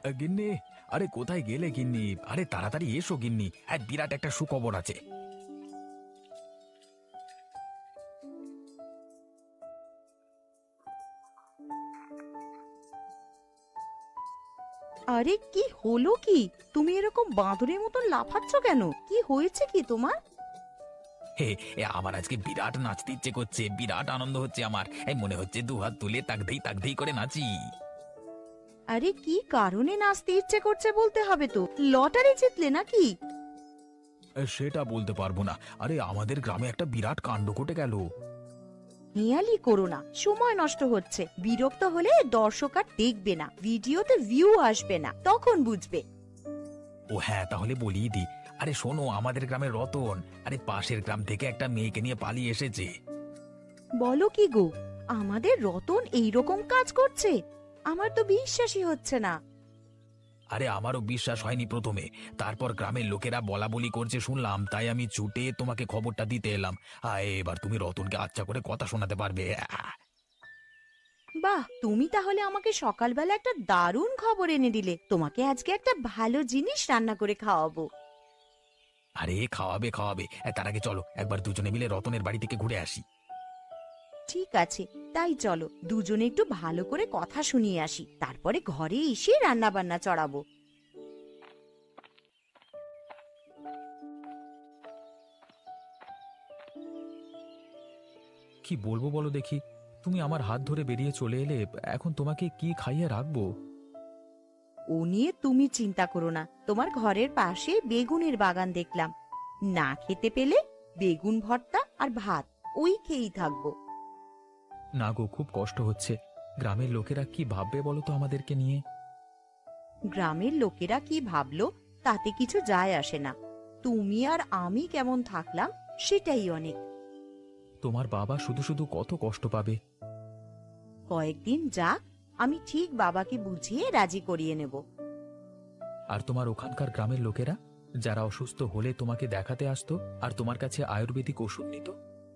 গিন্নি, আরে কোথায় গেলে গিন্নি? আরে তাড়াতাড়ি এসো গিন্নি, বিরাট একটা সুখবর আছে। আরে কি হলো কি? তুমি এরকম বাঁদরের মতন লাফাচ্ছ কেন? কি হয়েছে কি তোমার? হে, আমার আজকে বিরাট নাচতে ইচ্ছে করছে, বিরাট আনন্দ হচ্ছে আমার। মনে হচ্ছে দু হাত তুলে তাক দেই করে নাচি। আরে কি কারণে নাচতে ইচ্ছে করছে বলতে হবে তো। লটারি জিতলে নাকি? সেটা বলতে পারবো না। আরে আমাদের গ্রামে একটা বিরাট কাণ্ড ঘটে গেল। হেয়ালি করো না, সময় নষ্ট হচ্ছে। বিরক্ত হলে দর্শক আর দেখবে না, ভিডিওতে ভিউ আসবে না, তখন বুঝবে। ও হ্যাঁ, তাহলে বলিয়ে দি। আরে শোনো, আমাদের গ্রামের রতন আরে পাশের গ্রাম থেকে একটা মেয়েকে নিয়ে পালিয়ে এসেছে। বলো কি গো? আমাদের রতন এইরকম কাজ করছে? আমার তো বিশ্বাসই হচ্ছে না। আরে আমারও বিশ্বাস হয়নি প্রথমে, তারপর গ্রামের লোকেরা বলা বলি করছে শুনলাম, তাই আমি ছুটে তোমাকে খবরটা দিতে এলাম। এবার তুমি রতনকে আচ্ছা করে কথা শোনাতে পারবে। বাহ, তুমি তাহলে আমাকে সকালবেলা একটা দারুণ খবর এনে দিলে। তোমাকে আজকে একটা ভালো জিনিস রান্না করে খাওয়াবো। আরে খাওয়াবে খাওয়াবে, তার আগে চলো একবার দুজনে মিলে রতনের বাড়ি থেকে ঘুরে আসি। ঠিক আছে, তাই চলো দুজনে একটু ভালো করে কথা শুনিয়ে আসি, তারপরে ঘরে এসে রান্না বান্না চড়াবো। কি বলবো বলো দেখি? তুমি আমার হাত ধরে বেরিয়ে চলে এলে, এখন তোমাকে কি খাইয়ে রাখবো? ও নিয়ে তুমি চিন্তা করো না। তোমার ঘরের পাশে বেগুনের বাগান দেখলাম, না খেতে পেলে বেগুন ভর্তা আর ভাত, ওই খেয়েই থাকবো। না গো, খুব কষ্ট হচ্ছে। গ্রামের লোকেরা কি ভাববে বলো তো আমাদেরকে নিয়ে? গ্রামের লোকেরা কি ভাবলো তাতে কিছু যায় আসে না। তুমি আর আমি কেমন থাকলাম সেটাই অনেক। তোমার বাবা শুধু শুধু কত কষ্ট পাবে। কয়েকদিন যাক, আমি ঠিক বাবাকে বুঝিয়ে রাজি করিয়ে নেব। আর তোমার ওখানকার গ্রামের লোকেরা, যারা অসুস্থ হলে তোমাকে দেখাতে আসতো আর তোমার কাছে আয়ুর্বেদিক ওষুধ নিত?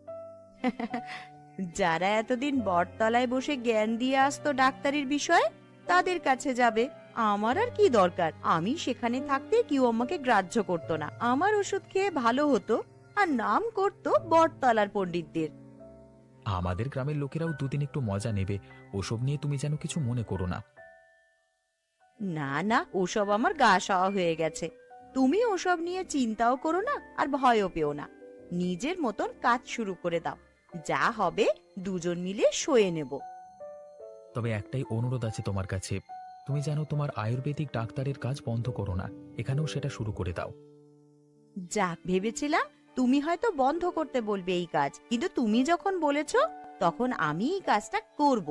যারা এতদিন বটতলায় বসে জ্ঞান দিয়ে আসতো ডাক্তারির বিষয়ে, তাদের কাছে যাবে। আমার আর কি দরকার? আমি সেখানে থাকতে কেউ আমাকে গ্রাহ্য করতো না। আমার ওষুধ খেয়ে ভালো হতো, আর নাম করতো বটতলার পণ্ডিতদের। আমাদের গ্রামের লোকেরাও দুদিন একটু মজা নেবে, ওসব নিয়ে তুমি যেন কিছু মনে করো না। না না, ওসব আমার গা সওয়া হয়ে গেছে। তুমি ওসব নিয়ে চিন্তাও করো না আর ভয়ও পেও না। নিজের মতন কাজ শুরু করে দাও, যা হবে দুজন মিলে সয়ে নেব। তবে একটাই অনুরোধ আছে তোমার কাছে, তুমি যেন তোমার আয়ুর্বেদিক ডাক্তারের কাজ বন্ধ করো না, এখানেও সেটা শুরু করে দাও। যাক, ভেবেছিলাম তুমি হয়তো বন্ধ করতে বলবে এই কাজ, কিন্তু তুমি যখন বলেছো তখন আমি এই কাজটা করব।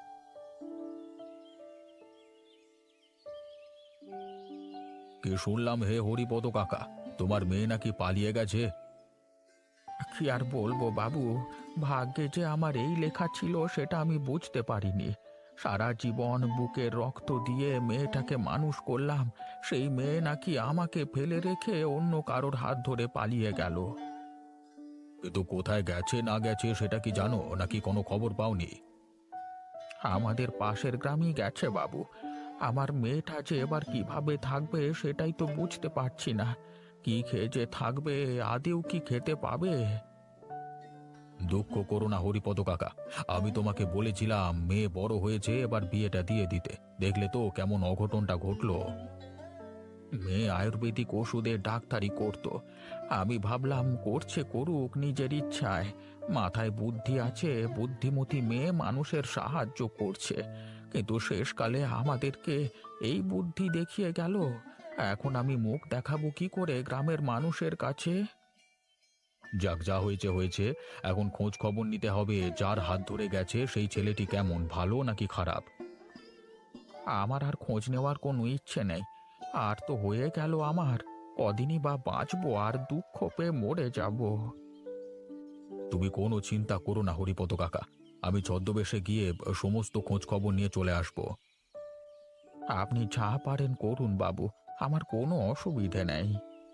কি শুনলাম হে হরিপদ কাকা, তোমার মেয়ে নাকি পালিয়ে গেছে? কি আর বলবো বাবু, ভাগ্যে যে আমার এই লেখা ছিল সেটা আমি বুঝতে পারিনি। সারা জীবন বুকের রক্ত দিয়ে মেয়েটাকে মানুষ করলাম, সেই মেয়ে নাকি আমাকে ফেলে রেখে অন্য কারোর হাত ধরে পালিয়ে গেল। কিন্তু কোথায় গেছে না গেছে সেটা কি জানো, নাকি কোনো খবর পাওনি? আমাদের পাশের গ্রামই গেছে বাবু। আমার মেয়েটা যে এবার কিভাবে থাকবে সেটাই তো বুঝতে পারছি না। কি খেয়ে যে থাকবে, আদেও কি খেতে পাবে? দুঃখ করো না হরিপদ কাকা, আমি তোমাকে বলেছিলাম মেয়ে বড় হয়েছে, এবার বিয়েটা দিয়ে দিতে। দেখলে তো কেমন অঘটনটা ঘটলো। মেয়ে আয়ুর্বেদিক ওষুধে ডাক্তারি করত, আমি ভাবলাম করছে করুক নিজের ইচ্ছায়, মাথায় বুদ্ধি আছে, বুদ্ধিমতী মেয়ে মানুষের সাহায্য করছে। কিন্তু শেষকালে আমাদেরকে এই বুদ্ধি দেখিয়ে গেল। এখন আমি মুখ দেখাবো কি করে গ্রামের মানুষের কাছে? যাক, যা হয়েছে হয়েছে। এখন খোঁজ খবর নিতে হবে, যার হাত ধরে গেছে সেই ছেলেটি কেমন, ভালো নাকি খারাপ। আমার আর খোঁজ নেওয়ার কোনো ইচ্ছে নেই। আর তো হয়ে গেল আমার, কদিনই বা বাঁচবো, আর দুঃখ পেয়ে মরে যাব। তুমি কোনো চিন্তা করো না হরিপদ কাকা, আমি ছদ্মবেশে গিয়ে সমস্ত খোঁজ খবর নিয়ে চলে আসব। আপনি যা পারেন করুন বাবু, আমার কোনো অসুবিধে নেই।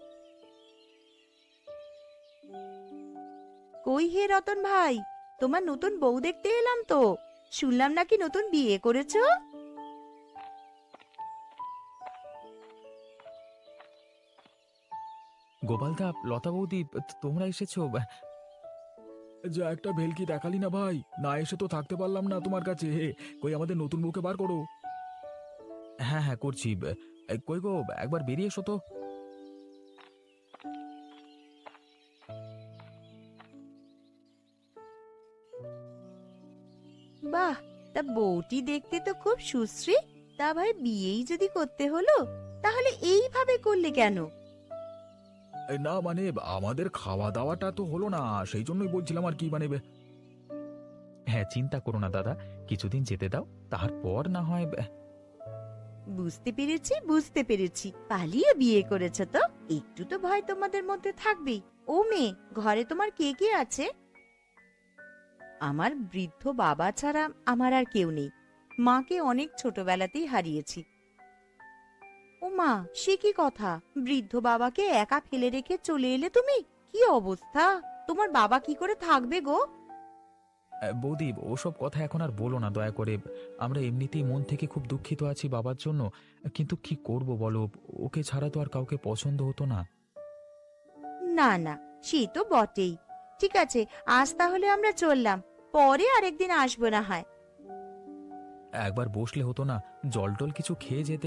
কই হে রতন ভাই, তোমার নতুন বউ দেখতে এলাম তো। শুনলাম নাকি নতুন বিয়ে করেছো? গোপালদা, লতা বৌদি, তোমরা এসেছো? যা একটা ভেলকি দেখালি না ভাই, না এসে তো থাকতে পারলাম না তোমার কাছে। কই আমাদের নতুন বউকে বার করো। হ্যাঁ হ্যাঁ, করছি। কই গো, একবার বেরিয়ে এসো তো। বাহ, তা বউটি দেখতে তো খুব সুশ্রী। তা ভাই, বিয়েই যদি করতে হলো তাহলে এইভাবে করলে কেন? না মানে, আমাদের খাওয়া দাওয়াটা তো হলো না, সেই জন্যই বলছিলাম আর কি, মানে হ্যাঁ, চিন্তা করো না দাদা, কিছুদিন যেতে দাও, তারপর না হয়। বুঝতে পেরেছি, বুঝতে পেরেছি, পালিয়ে বিয়ে করেছে তো একটু তো ভয় তোমাদের মধ্যে থাকবেই। ও মেয়ে, ঘরে তোমার কে কে আছে? আমার বৃদ্ধ বাবা ছাড়া আমার আর কেউ নেই। মাকে অনেক ছোটবেলাতেই হারিয়েছি। ও মা, সে কি কথা! বৃদ্ধ বাবাকে একা ফেলে রেখে চলে এলে তুমি? কি অবস্থা! তোমার বাবা কি করে থাকবে গো? বৌদি, ওসব কথা এখন আর বলো না দয়া করে। আমরা এমনিতেই মন থেকে খুব দুঃখিত আছি বাবার জন্য, কিন্তু কি করব বলো, ওকে ছাড়া তো আর কাউকে পছন্দ হতো না। না না, সে তো বটেই। ঠিক আছে, আজ তাহলে আমরা চললাম, পরে আরেকদিন আসবো না হয়। একবার বসলে হতো না, জল টল কিছু খেয়ে যেতে।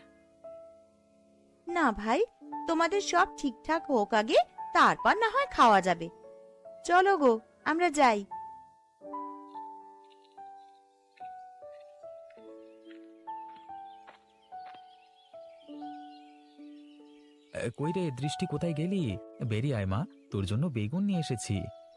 না ভাই, তোমাদের সব ঠিকঠাক হোক আগে, তারপর না হয় খাওয়া যাবে। চলো গো, আমরা যাই। কই রে দৃষ্টি, কোথায় গেলি? বেরিয়ে আয় মা, তোর জন্য বেগুন নিয়ে এসেছি।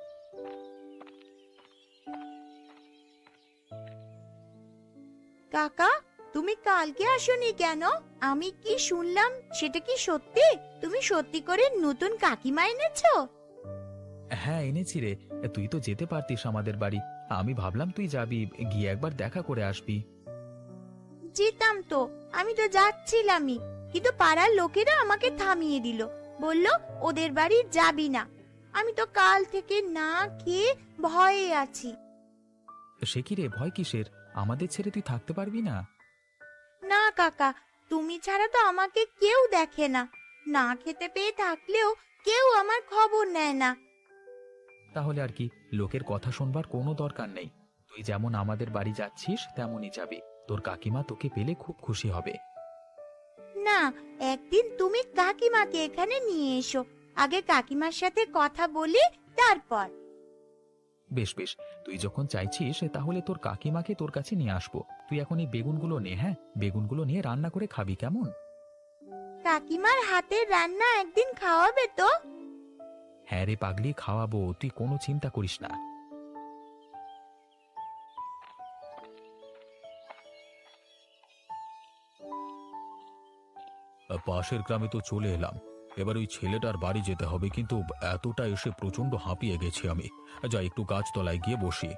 কাকা, তুমি কালকে আসোনি কেন? আমি কি শুনলাম, সেটা কি সত্যি? তুমি সত্যি করে নতুন কাকিমা এনেছো? হ্যাঁ এনেছি রে, তুই তো যেতে পারতিস আমাদের বাড়ি, আমি ভাবলাম তুই যাবি, গিয়ে একবার দেখা করে আসবি। যেতাম তো, আমি তো যাচ্ছিলামই, কিন্তু পাড়ার লোকেরা আমাকে থামিয়ে দিল। বলল ওদের বাড়ি যাবি না। আমি তো কাল থেকে না খেয়ে ভয়ে আছি। সে কি রে, ভয় কিসের? আমাদের ছেড়ে তুই থাকতে পারবি না? না কাকা, তুমি ছাড়া তো আমাকে কেউ দেখে না। না খেতে পেয়ে থাকলেও কেউ আমার খবর নেয় না। তাহলে আর কি, লোকের কথা শুনবার কোনো দরকার নেই। তুই যেমন আমাদের বাড়ি যাচ্ছিস তেমনই যাবি, তোর কাকিমা তোকে পেলে খুব খুশি হবে। না, একদিন তুমি কাকিমাকে এখানে নিয়ে এসো। আগে কাকিমার সাথে কথা বলি, তারপর। বেশ বেশ, তুই যখন চাইছিস তাহলে তোর কাকিমাকে তোর কাছে নিয়ে আসবো। তুই এখন এই বেগুনগুলো নে, হ্যাঁ, বেগুনগুলো নিয়ে রান্না করে খাবি, কেমন? কাকিমার হাতের রান্না একদিন খাওয়াবে তো? হ্যাঁ রে পাগলি, খাওয়াবো, তুই কোনো চিন্তা করিস না। পাশের গ্রামে তো চলে এলাম, এবার ওই ছেলেটার বাড়ি যেতে হবে, কিন্তু এতটা এসে প্রচন্ড হাঁপিয়ে গেছি আমি। যা, একটু গাছতলায় গিয়ে বসি।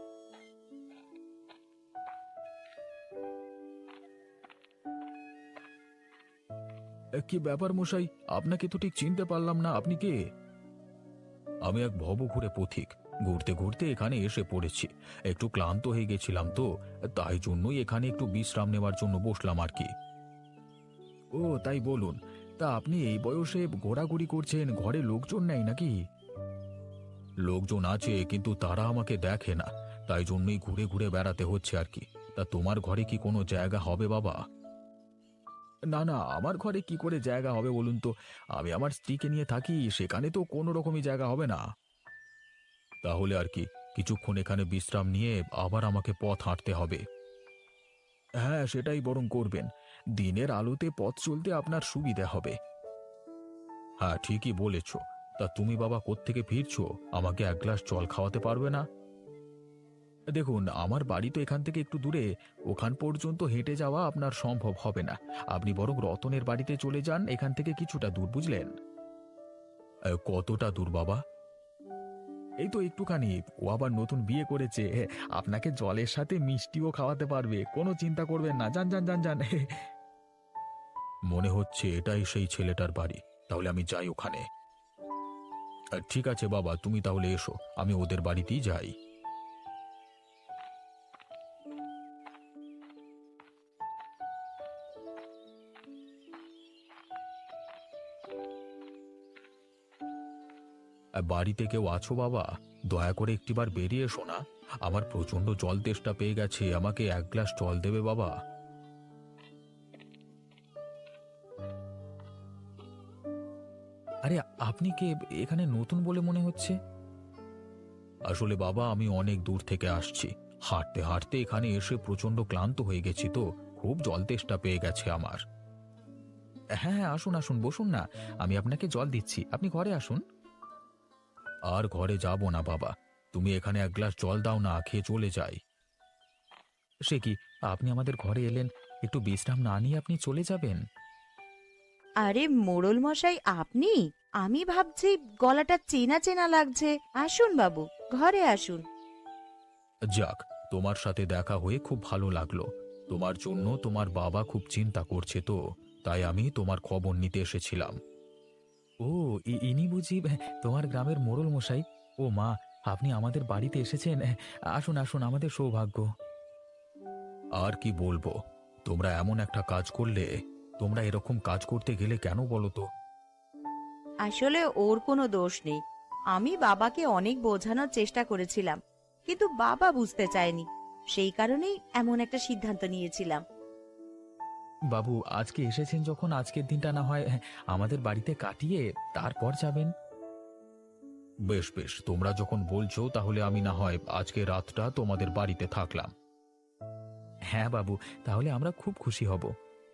কি ব্যাপার মশাই, আপনাকে তো ঠিক চিনতে পারলাম না, আপনি কে? আমি এক ভবঘুরে পথিক, ঘুরতে ঘুরতে এখানে এসে পড়েছি। একটু ক্লান্ত হয়ে গেছিলাম তো, তাই জন্যই এখানে একটু বিশ্রাম নেওয়ার জন্য বসলাম আর কি। ও তাই, বলুন। তা আপনি এই বয়সে ঘোরাঘুরি করছেন, ঘরে লোকজন নেই নাকি? লোকজন আছে, কিন্তু তারা আমাকে দেখে না, তাই জন্যই ঘুরে ঘুরে বেড়াতে হচ্ছে আর কি। তা তোমার ঘরে কি কোনো জায়গা হবে বাবা? না না, আমার ঘরে কি করে জায়গা হবে বলুন তো? আমি আমার স্ত্রীকে নিয়ে থাকি, সেখানে তো কোনো রকমই জায়গা হবে না। তাহলে আর কি, কিছুক্ষণ এখানে বিশ্রাম নিয়ে আবার আমাকে পথ হাঁটতে হবে। হ্যাঁ, সেটাই বরং করবেন, দিনের আলোতে পথ চলতে আপনার সুবিধা হবে। হ্যাঁ, ঠিকই বলেছ। তা তুমি বাবা কোত্থেকে ফিরছো? আমাকে এক গ্লাস জল খাওয়াতে পারবে না? দেখুন, আমার বাড়ি তো এখান থেকে একটু দূরে, ওখান পর্যন্ত হেঁটে যাওয়া আপনার সম্ভব হবে না। আপনি বরং রতনের বাড়িতে চলে যান, এখান থেকে কিছুটা দূর, বুঝলেন? কতটা দূর বাবা? এই তো একটুখানি। ও আবার নতুন বিয়ে করেছে, আপনাকে জলের সাথে মিষ্টিও খাওয়াতে পারবে, কোনো চিন্তা করবেন না, যান যান যান যান। মনে হচ্ছে এটাই সেই ছেলেটার বাড়ি, তাহলে আমি যাই ওখানে। ঠিক আছে বাবা, তুমি তাহলে এসো, আমি ওদের বাড়িতেই যাই। বাড়িতে কেউ আছো বাবা? দয়া করে একটিবার বেরিয়ে এসো না। আমার প্রচন্ড জল তেষ্টা পেয়ে গেছে, আমাকে এক গ্লাস জল দেবে বাবা? আরে, আপনি কে? এখানে নতুন বলে মনে হচ্ছে। আসলে বাবা, আমি অনেক দূর থেকে আসছি। হাঁটতে হাঁটতে এখানে এসে প্রচন্ড ক্লান্ত হয়ে গেছি, তো খুব জল তেষ্টা পেয়ে গেছে আমার। হ্যাঁ হ্যাঁ, আসুন আসুন, বসুন না। আমি আপনাকে জল দিচ্ছি, আপনি ঘরে আসুন। আর ঘরে যাব না বাবা, তুমি এখানে এক গ্লাস জল দাও না, খেয়ে চলে যাই। সে কি, আপনি আমাদের ঘরে এলেন, একটু বিশ্রাম না নিয়ে আপনি চলে যাবেন? আরে মোড়ল মশাই, আপনি? আমি ভাবছি গলাটা চেনা চেনা লাগছে। আসুন বাবু, ঘরে আসুন। যাক, তোমার সাথে দেখা হয়ে খুব ভালো লাগলো। তোমার জন্য তোমার বাবা খুব চিন্তা করছে, তো তাই আমি তোমার খবর নিতে এসেছিলাম। ও, ইনি বুঝি তোমার গ্রামের মোড়ল মশাই? ও মা, আপনি আমাদের বাড়িতে এসেছেন। আসুন আসুন, আমাদের সৌভাগ্য। আর কি বলবো, তোমরা এমন একটা কাজ করলে। তোমরা এরকম কাজ করতে গেলে কেন বলো তো? আসলে ওর কোনো দোষ নেই। আমি বাবাকে অনেক বোঝানোর চেষ্টা করেছিলাম, কিন্তু বাবা বুঝতে চায়নি। সেই কারণেই এমন একটা সিদ্ধান্ত নিয়েছিলাম। বাবু, আজকে এসেছেন যখন, আজকের দিনটা না হয় আমাদের বাড়িতে কাটিয়ে তারপর যাবেন। বেশ বেশ, তোমরা যখন বলছো তাহলে আমি না হয় আজকে রাতটা তোমাদের বাড়িতে থাকলাম। হ্যাঁ বাবু, তাহলে আমরা খুব খুশি হব।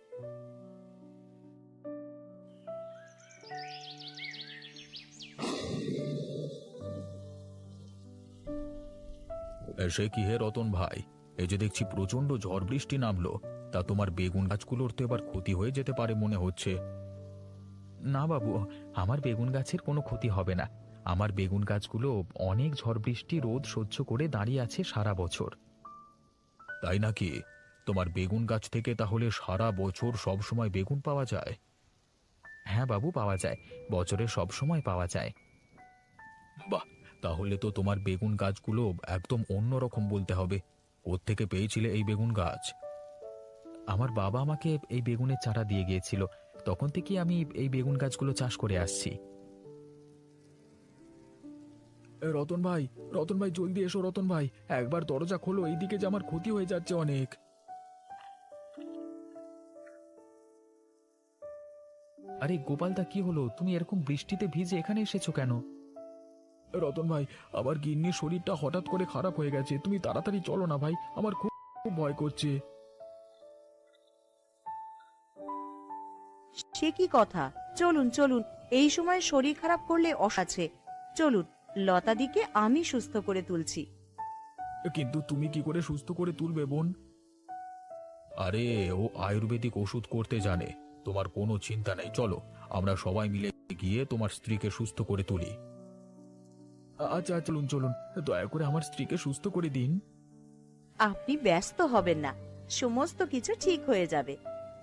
সে কি হে রতন ভাই, এই যে দেখছি প্রচন্ড ঝড় বৃষ্টি নামলো, তা তোমার বেগুন গাছগুলোর তো এবার ক্ষতি হয়ে যেতে পারে মনে হচ্ছে। না বাবু, আমার বেগুন গাছের কোনো ক্ষতি হবে না। আমার বেগুন গাছগুলো অনেক ঝড় বৃষ্টি রোদ সহ্য করে দাঁড়িয়ে আছে সারা বছর। তাই নাকি? তোমার বেগুন গাছ থেকে তাহলে সারা বছর সব সময় বেগুন পাওয়া যায়? হ্যাঁ বাবু, পাওয়া যায়, বছরের সব সময় পাওয়া যায়। বাহ, তাহলে তো তোমার বেগুন গাছগুলো একদম অন্যরকম বলতে হবে। কোত্থেকে পেয়েছিলে এই বেগুন গাছ? আমার বাবা আমাকে এই বেগুনের চারা দিয়ে গিয়েছিল, তখন থেকে আমি এই বেগুন গাছগুলো চাষ করে আসছি। রতন ভাই, রতন ভাই, জলদি এসো রতন ভাই, একবার দরজা খোলো, এইদিকে যে আমার ক্ষতি হয়ে যাচ্ছে অনেক। আরে গোপালদা, কি হলো? তুমি এরকম বৃষ্টিতে ভিজে এখানে এসেছো কেন? রতন ভাই, আমার গিন্নির শরীরটা হঠাৎ করে খারাপ হয়ে গেছে, তুমি তাড়াতাড়ি চলো না ভাই, আমার খুব খুব ভয় করছে। সে কি কথা! চলুন চলুন, এই সময় শরীর খারাপ করলে আছে। চলুন, লতাদিকে আমি সুস্থ করে তুলছি। কিন্তু তুমি কি করে সুস্থ করে তুলবে বোন? আরে, ও আয়ুর্বেদিক ওষুধ করতে জানে, তোমার কোনো চিন্তা নেই, চলো আমরা সবাই মিলে গিয়ে তোমার স্ত্রীকে সুস্থ করে তুলি। আচ্ছা চলুন চলুন, দয়া করে আমার স্ত্রীকে সুস্থ করে দিন। আপনি ব্যস্ত হবেন না, সমস্ত কিছু ঠিক হয়ে যাবে।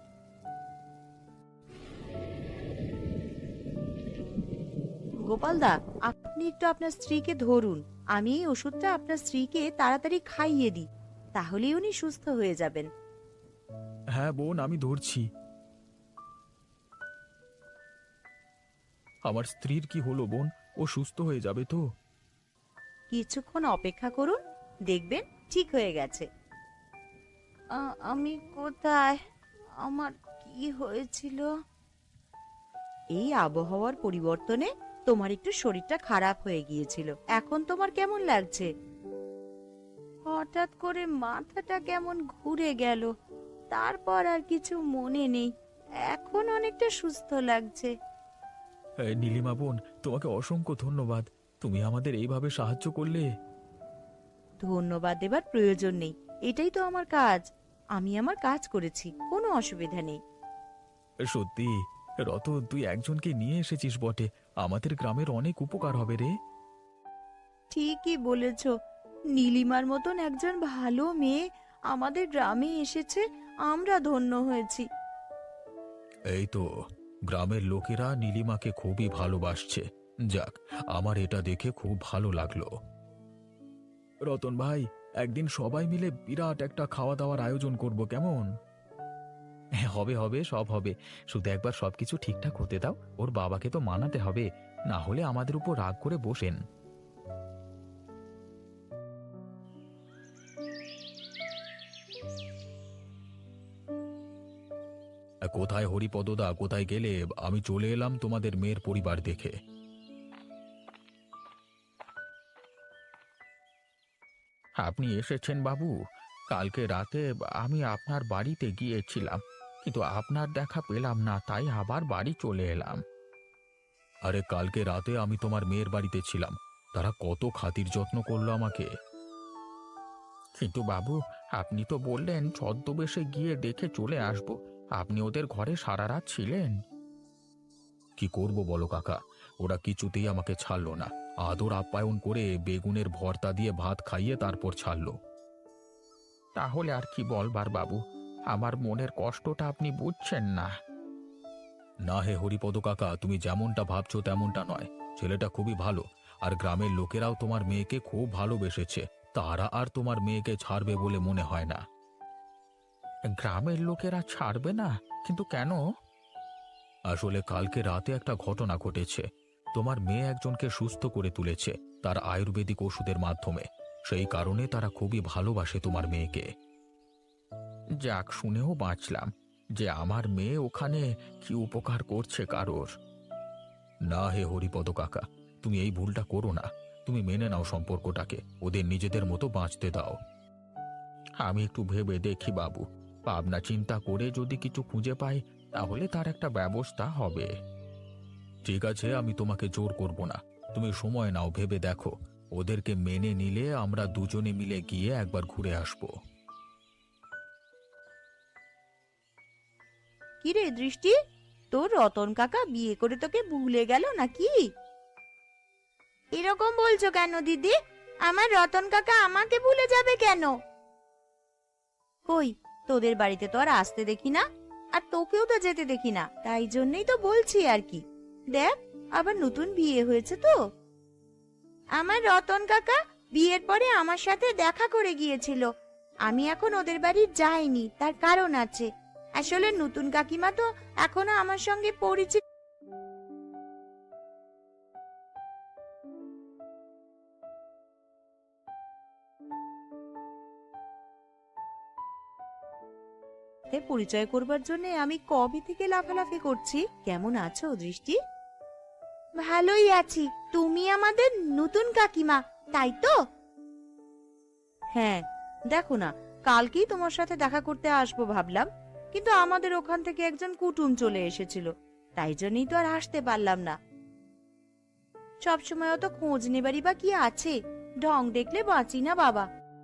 গোপালদা, আপনি একটু আপনার স্ত্রীকে ধরুন। আমি এই ওষুধটা আপনার স্ত্রীকে তাড়াতাড়ি খাইয়ে দিই, তাহলেই উনি সুস্থ হয়ে যাবেন। হ্যাঁ বোন, আমি ধরছি। আমার স্ত্রীর কি হলো বোন? ও সুস্থ হয়ে যাবে তো? কিছুক্ষণ অপেক্ষা করুন, দেখবেন ঠিক হয়ে গেছে। আমি কোথায়? আমার কি হয়েছিল? এই আবহাওয়ার পরিবর্তনে তোমার একটু শরীরটা খারাপ হয়ে গিয়েছিল। এখন তোমার কেমন লাগছে? হঠাৎ করে মাথাটা কেমন ঘুরে গেল, তারপর আর কিছু মনে নেই। এখন অনেকটা সুস্থ লাগছে। নীলিমা বোন, তোমাকে অসংখ্য ধন্যবাদ, তুমি আমাদের এইভাবে সাহায্য করলে। ধন্যবাদ দেবার প্রয়োজন নেই, এটাই তো আমার কাজ। আমি আমার কাজ করেছি, কোনো অসুবিধা নেই। সত্যি রতন, তুই একজনকে নিয়ে এসেছিস বটে, আমাদের গ্রামের অনেক উপকার হবে রে। ঠিকই বলেছ, নীলিমার মতন একজন ভালো মেয়ে আমাদের গ্রামে এসেছে, আমরা ধন্য হয়েছি। এই তো, গ্রামের লোকেরা নীলিমাকে খুবই ভালোবাসছে। যাক, আমার এটা দেখে খুব ভালো লাগলো। রতন ভাই, একদিন সবাই মিলে বিরাট একটা খাওয়া দাওয়ার আয়োজন করব, কেমন? হ্যাঁ, হবে হবে, সব হবে। শুধু একবার সবকিছু ঠিকঠাক হতে দাও, ওর বাবাকে তো মানাতে হবে। না হলে আমাদের উপর রাগ করে বসেন। কোথায় হরিপদদা, কোথায় গেলে? আমি চলে এলাম তোমাদের মেয়ের পরিবার দেখে। আপনি এসেছেন বাবু? কালকে রাতে আমি আপনার বাড়িতে গিয়েছিলাম, কিন্তু আপনার দেখা পেলাম না, তাই আবার বাড়ি চলে এলাম। আরে কালকে রাতে আমি তোমার মেয়ের বাড়িতে ছিলাম, তারা কত খাতির যত্ন করলো আমাকে। কিন্তু বাবু, আপনি তো বললেন ছদ্মবেশে গিয়ে দেখে চলে আসবো। আপনি ওদের ঘরে সারা রাত ছিলেন। কি করব বলো কাকা, ওরা কিছুতেই আমাকে ছাড়লো না। আদর আপ্যায়ন করে বেগুনের ভর্তা দিয়ে ভাত খাইয়ে তারপর ছাড়লো। তাহলে আর কি বলবার বাবু, আমার মনের কষ্টটা আপনি বুঝছেন না। না হে হরিপদ কাকা, তুমি যেমনটা ভাবছো তেমনটা নয়। ছেলেটা খুবই ভালো, আর গ্রামের লোকেরাও তোমার মেয়েকে খুব ভালোবেসেছে। তারা আর তোমার মেয়েকে ছাড়বে বলে মনে হয় না। গ্রামের লোকেরা ছাড়বে না? কিন্তু কেন? আসলে কালকে রাতে একটা ঘটনা ঘটেছে। তোমার মেয়ে একজনকে সুস্থ করে তুলেছে তার আয়ুর্বেদিক ওষুধের মাধ্যমে। সেই কারণে তারা খুবই ভালোবাসে তোমার মেয়েকে। যাক, শুনেও বাঁচলাম যে আমার মেয়ে ওখানে কি উপকার করছে কারোর। না হে হরিপদ কাকা, তুমি এই ভুলটা করো না। তুমি মেনে নাও সম্পর্কটাকে, ওদের নিজেদের মতো বাঁচতে দাও। আমি একটু ভেবে দেখি বাবু, ভাবনা চিন্তা করে যদি কিছু খুঁজে পাই তাহলে তার একটা ব্যবস্থা হবে। ঠিক আছে, আমি তোমাকে জোর করব না। তুমি সময় নাও, ভেবে দেখো। ওদেরকে মেনে নিলে আমরা দুজনে মিলে গিয়ে একবার ঘুরে আসব। কি রে দৃষ্টি, তোর রতন কাকা বিয়ে করে তোকে ভুলে গেল নাকি? এরকম বলছো কেন দিদি? আমার রতন কাকা আমাকে ভুলে যাবে কেন? কই, তোদের বাড়িতে তো আর আসতে দেখি না, আর তোকেও তো যেতে দেখি না, তাই জন্যই তো বলছি আর কি। দেখ, আবার নতুন বিয়ে হয়েছে তো। আমার রতন কাকা বিয়ের পরে আমার সাথে দেখা করে গিয়েছিল। আমি এখন ওদের বাড়ি যাইনি, তার কারণ আছে। আসলে নতুন কাকিমা তো এখনো আমার সঙ্গে পরিচিত। পরিচয় করবার জন্য আমি কবে থেকে লাফালাফি করছি। কেমন আছো দৃষ্টি? ভালোই আছি। তুমি আমাদের নতুন কাকিমা, তাই তো? হ্যাঁ, দেখো না, কালকেই তোমার সাথে দেখা করতে আসবো ভাবলাম, কিন্তু আমাদের ওখান থেকে একজন কুটুম চলে এসেছিল, তাই জন্যই তো আর আসতে পারলাম না। সবসময় অত খোঁজ নেবারই বা কি আছে? ঢং দেখলে বাঁচি না বাবা।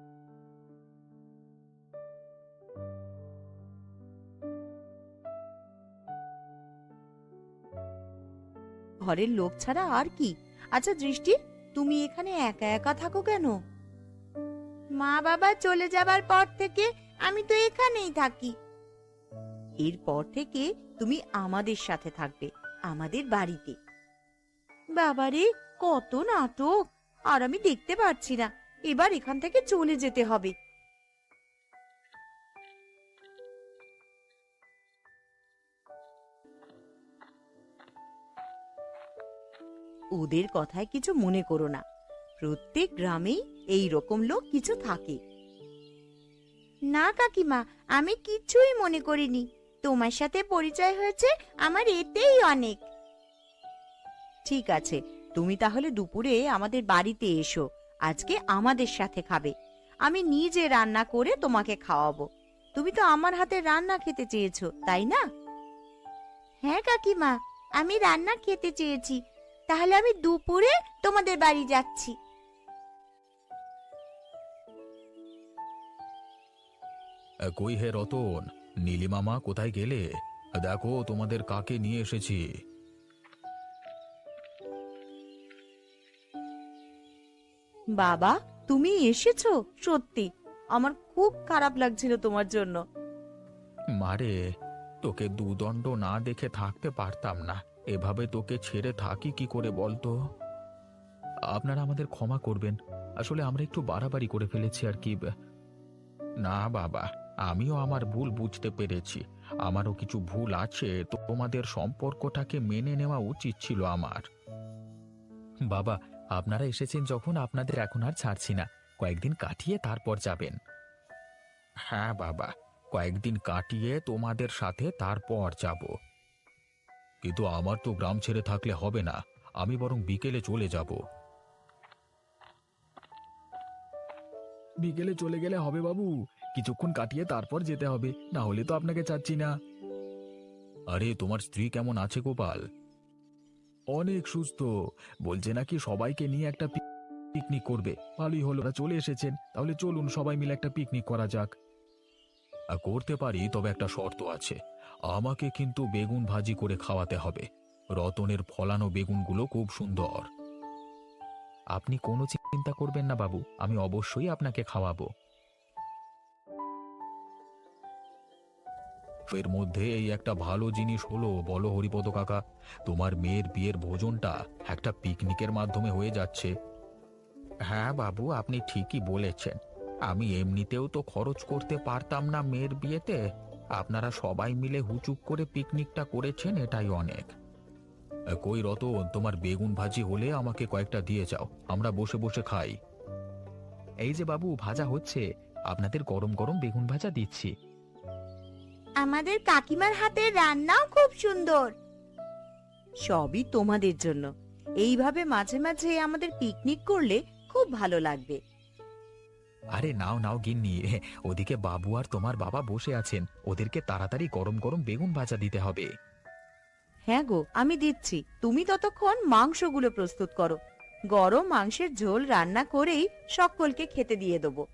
ঘরের লোক ছাড়া আর কি। আচ্ছা দৃষ্টি, তুমি এখানে একা একা থাকো কেন? মা বাবা চলে যাবার পর থেকে আমি তো এখানেই থাকি। এরপর থেকে তুমি আমাদের সাথে থাকবে, আমাদের বাড়িতে। বাবারে, কত নাটক! আর আমি দেখতে পারছি না, এবার এখান থেকে চলে যেতে হবে। ওদের কথায় কিছু মনে করো না, প্রত্যেক গ্রামেই এই রকম লোক কিছু থাকে। না কাকিমা, আমি কিছুই মনে করিনি। তোমার সাথে পরিচয় হয়েছে, আমার এতেই অনেক। ঠিক আছে, তুমি তাহলে দুপুরে আমাদের বাড়িতে এসো। আজকে আমাদের সাথে খাবে। আমি নিজে রান্না করে তোমাকে খাওয়াবো। তুমি তো আমার হাতে রান্না খেতে চেয়েছো, তাই না? হ্যাঁ কাকিমা, আমি রান্না খেতে চেয়েছি। তাহলে আমি দুপুরে তোমাদের বাড়ি যাচ্ছি। কই হে রতন, নীলিমামা কোথায় গেলে? দেখো তোমাদের কাকে নিয়ে এসেছি। বাবা, তুমি এসেছো? সত্যি আমার খুব খারাপ লাগছিল তোমার জন্য। মারে, তোকে দুদণ্ড না দেখে থাকতে পারতাম না। এভাবে তোকে ছেড়ে থাকি কি করে বলতো? আপনারা আমাদের ক্ষমা করবেন, আসলে আমরা একটু বাড়াবাড়ি করে ফেলেছি আর কি। না বাবা, আমিও আমার ভুল বুঝতে পেরেছি। আমারও কিছু ভুল আছে, তো তোমাদের সম্পর্কটাকে মেনে নেওয়া উচিত ছিল আমার। বাবা, আপনারা এসেছেন যখন আপনাদের এখন আর ছাড়ছি না। কয়েকদিন কাটিয়ে তারপর যাবেন। হ্যাঁ বাবা, কয়েকদিন কাটিয়ে তোমাদের সাথে তারপর যাব। কিন্তু আমার তো গ্রাম ছেড়ে থাকলে হবে না, আমি বরং বিকেলে চলে যাব। বিকেলে চলে গেলে হবে বাবু, কিছুক্ষণ কাটিয়ে তারপর যেতে হবে, না হলে তো আপনাকে চাচ্ছি না। আরে তোমার স্ত্রী কেমন আছে গোপাল? অনেক সুস্থ, বলছে নাকি সবাইকে নিয়ে একটা পিকনিক করবে। ভালোই হলো, ওরা চলে এসেছেন, তাহলে চলুন সবাই মিলে একটা পিকনিক করা যাক। করতে পারি, তবে একটা শর্ত আছে। আমাকে কিন্তু বেগুন ভাজি করে খাওয়াতে হবে। রতনের ফলানো বেগুনগুলো খুব সুন্দর। আপনি কোনো চিন্তা করবেন না বাবু, আমি অবশ্যই আপনাকে খাওয়াবো। এর মধ্যে এই একটা ভালো জিনিস হলো, বলো হরিপদ কাকা, তোমার মেয়ের বিয়ের ভোজনটা একটা পিকনিকের মাধ্যমে হয়ে যাচ্ছে। হ্যাঁ বাবু, আপনি ঠিকই বলেছেন। আমি এমনিতেও তো খরচ করতে পারতাম না মেয়ের বিয়েতে। আপনারা সবাই মিলে হুচুক করে পিকনিকটা করেছেন, এটাই অনেক। কই রতন, তোমার বেগুন ভাজি হলে আমাকে কয়েকটা দিয়ে যাও, আমরা বসে বসে খাই। এই যে বাবু, ভাজা হচ্ছে, আপনাদের গরম গরম বেগুন ভাজা দিচ্ছি। আমাদের কাকিমার হাতের রান্নাও খুব সুন্দর। সবই তোমাদের জন্য। এইভাবে মাঝে মাঝে আমাদের পিকনিক করলে খুব ভালো লাগবে। আরে নাও নাও গিন্নি, ওদিকে বাবু আর তোমার বাবা বসে আছেন, ওদেরকে তাড়াতাড়ি গরম গরম বেগুন ভাজা দিতে হবে। হ্যাঁ গো, আমি দিচ্ছি, তুমি ততক্ষণ মাংসগুলো প্রস্তুত করো। গরম মাংসের ঝোল রান্না করেই সকলকে খেতে দিয়ে দেবো।